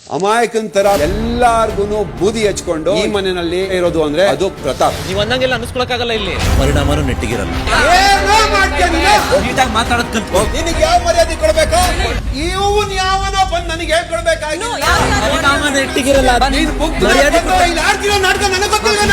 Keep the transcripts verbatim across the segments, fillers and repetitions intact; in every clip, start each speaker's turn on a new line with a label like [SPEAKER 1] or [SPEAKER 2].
[SPEAKER 1] ಅಮಾಯಕನ್ ತರ ಎಲ್ಲಾರ್ಗು ಬೂದಿ ಹಚ್ಕೊಂಡು ಈ ಮನೆಯಲ್ಲಿ ಇರೋದು ಅಂದ್ರೆ ಅದು ಪ್ರತಾಪ್.
[SPEAKER 2] ನೀವ್ ಅಂದಂಗೆಲ್ಲ ಅನ್ಸ್ಕೊಳಕ್ಕಾಗಲ್ಲ ಇಲ್ಲಿ.
[SPEAKER 3] ಪರಿಣಾಮನೂ ನೆಟ್ಟಿಗಿರಲ್ಲ.
[SPEAKER 2] ನೀಟಾಗಿ ಮಾತಾಡೋದ್ ಕಲ್ತ್ಕೋ.
[SPEAKER 1] ನಿನಗೆ ಯಾವ ಮರ್ಯಾದೆ ಕೊಡ್ಬೇಕಾ? ಇವನ್ ಯಾವನೋ ಬಂದ್ ನನಗೆ ಹೇಳ್ಕೊಡ್ಬೇಕಾಗಿ
[SPEAKER 2] ಪರಿಣಾಮ ನೆಟ್ಟಿಗಿರಲ್ಲ.
[SPEAKER 1] ನೀನ್ ಬುಕ್
[SPEAKER 2] ಮರ್ಯಾದೆ
[SPEAKER 1] ಇಲ್ಲಿ ಆಡ್ತಿರೋ ನಾಟಕ ನನಗೆ ಗೊತ್ತಿಲ್ಲ.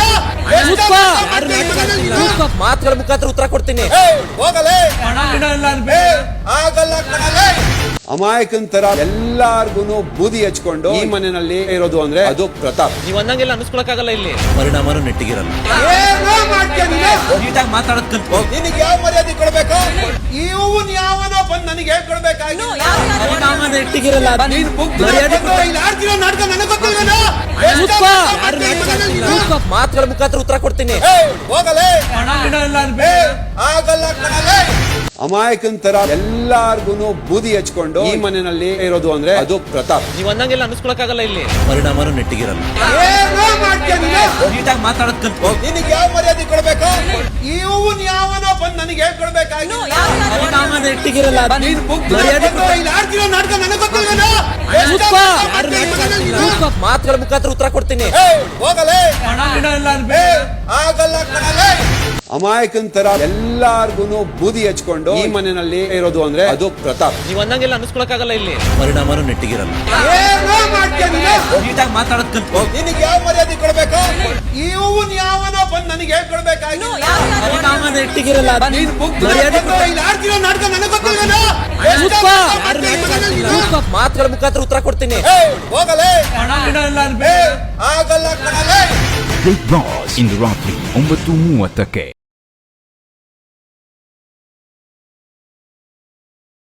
[SPEAKER 2] ಮಾತುಗಳ ಮುಖಾಂತರ ಉತ್ತರ ಕೊಡ್ತೀನಿ.
[SPEAKER 1] ಹೋಗಲೇ ಆಗಲ್ಲ ಕಣಲೇ. ಅಮಾಯಕನ್ ತರ ಎಲ್ಲಾರ್ಗು ಬೂದಿ ಹಚ್ಕೊಂಡು ಈ ಮನೆಯಲ್ಲಿ ಇರೋದು ಅಂದ್ರೆ ಅದು ಪ್ರತಾಪ್.
[SPEAKER 2] ನೀವ್ ಅಂದಂಗೆಲ್ಲ ಅನ್ಸ್ಕೊಳಕ್ಕಾಗಲ್ಲ ಇಲ್ಲಿ.
[SPEAKER 3] ಪರಿಣಾಮನೂ ನೆಟ್ಟಿಗಿರಲ್ಲ.
[SPEAKER 2] ನೀಟಾಗಿ ಮಾತಾಡೋದ್ ಕಲ್ತ್ಕೋ.
[SPEAKER 1] ನಿನಗೆ ಯಾವ ಮರ್ಯಾದೆ ಕೊಡ್ಬೇಕಾ? ಇವನ್ ಯಾವನೋ ಬಂದ್ ನನಗೆ ಹೇಳ್ಕೊಡ್ಬೇಕಾಗಿ
[SPEAKER 2] ಪರಿಣಾಮ ನೆಟ್ಟಿಗಿರಲ್ಲ.
[SPEAKER 1] ನೀನ್ ಬುಕ್
[SPEAKER 2] ಮರ್ಯಾದೆ
[SPEAKER 1] ಇಲ್ಲಿ ಆಡ್ತಿರೋ ನಾಟಕ ನನಗೆ ಗೊತ್ತಿಲ್ಲ.
[SPEAKER 2] ಮಾತುಗಳ ಮುಖಾಂತರ ಉತ್ತರ ಕೊಡ್ತೀನಿ.
[SPEAKER 1] ಹೋಗಲೇ ಆಗಲ್ಲ ಕಣಲೇ. ಅಮಾಯಕನ್ ತರ ಎಲ್ಲಾರ್ಗು ಬೂದಿ ಹಚ್ಕೊಂಡು ಈ ಮನೆಯಲ್ಲಿ ಇರೋದು ಅಂದ್ರೆ ಅದು ಪ್ರತಾಪ್.
[SPEAKER 2] ನೀವ್ ಅಂದಂಗೆಲ್ಲ ಅನ್ಸ್ಕೊಳಕ್ಕಾಗಲ್ಲ ಇಲ್ಲಿ.
[SPEAKER 3] ಪರಿಣಾಮನೂ ನೆಟ್ಟಿಗಿರಲ್ಲ.
[SPEAKER 2] ನೀಟಾಗಿ ಮಾತಾಡೋದ್ ಕಲ್ತ್ಕೋ.
[SPEAKER 1] ನಿನಗೆ ಯಾವ ಮರ್ಯಾದೆ ಕೊಡ್ಬೇಕಾ? ಇವನ್ ಯಾವನೋ ಬಂದ್ ನನಗೆ ಹೇಳ್ಕೊಡ್ಬೇಕಾಗಿ
[SPEAKER 2] ಪರಿಣಾಮ ನೆಟ್ಟಿಗಿರಲ್ಲ.
[SPEAKER 1] ನೀನ್ ಬುಕ್
[SPEAKER 2] ಮರ್ಯಾದೆ
[SPEAKER 1] ಇಲ್ಲಿ ಆಡ್ತಿರೋ ನಾಟಕ ನನಗೆ ಗೊತ್ತಿಲ್ಲ.
[SPEAKER 2] ಮಾತುಗಳ ಮುಖಾಂತರ ಉತ್ತರ ಕೊಡ್ತೀನಿ.
[SPEAKER 1] ಹೋಗಲೇ ಆಗಲ್ಲ ಕಣಲೇ. ಅಮಾಯಕನ್ ತರ ಎಲ್ಲಾರ್ಗು ಬೂದಿ ಹಚ್ಕೊಂಡು ಈ ಮನೆಯಲ್ಲಿ ಇರೋದು ಅಂದ್ರೆ ಅದು ಪ್ರತಾಪ್.
[SPEAKER 2] ನೀವ್ ಅಂದಂಗೆಲ್ಲ ಅನ್ಸ್ಕೊಳಕ್ಕಾಗಲ್ಲ ಇಲ್ಲಿ.
[SPEAKER 3] ಪರಿಣಾಮನೂ ನೆಟ್ಟಿಗಿರಲ್ಲ.
[SPEAKER 2] ನೀಟಾಗಿ ಮಾತಾಡೋದ್ ಕಲ್ತ್ಕೋ.
[SPEAKER 1] ನಿನಗೆ ಯಾವ ಮರ್ಯಾದೆ ಕೊಡ್ಬೇಕಾ? ಇವನ್ ಯಾವನೋ ಬಂದ್ ನನಗೆ ಹೇಳ್ಕೊಡ್ಬೇಕಾಗಿ
[SPEAKER 2] ಪರಿಣಾಮ ನೆಟ್ಟಿಗಿರಲ್ಲ.
[SPEAKER 1] ನೀನ್ ಬುಕ್
[SPEAKER 2] ಮರ್ಯಾದೆ
[SPEAKER 1] ಇಲ್ಲಿ ಆಡ್ತಿರೋ ನಾಟಕ ನನಗೆ ಗೊತ್ತಿಲ್ಲ.
[SPEAKER 2] ಮಾತುಗಳ ಮುಖಾಂತರ ಉತ್ತರ ಕೊಡ್ತೀನಿ.
[SPEAKER 1] ಹೋಗಲೇ ಆಗಲ್ಲ ಕಣಲೇ.
[SPEAKER 4] ಬಿಗ್ ಬಾಸ್ ಇಂದು ರಾತ್ರಿ ಒಂಬತ್ತು ಮೂವತ್ತಕ್ಕೆ.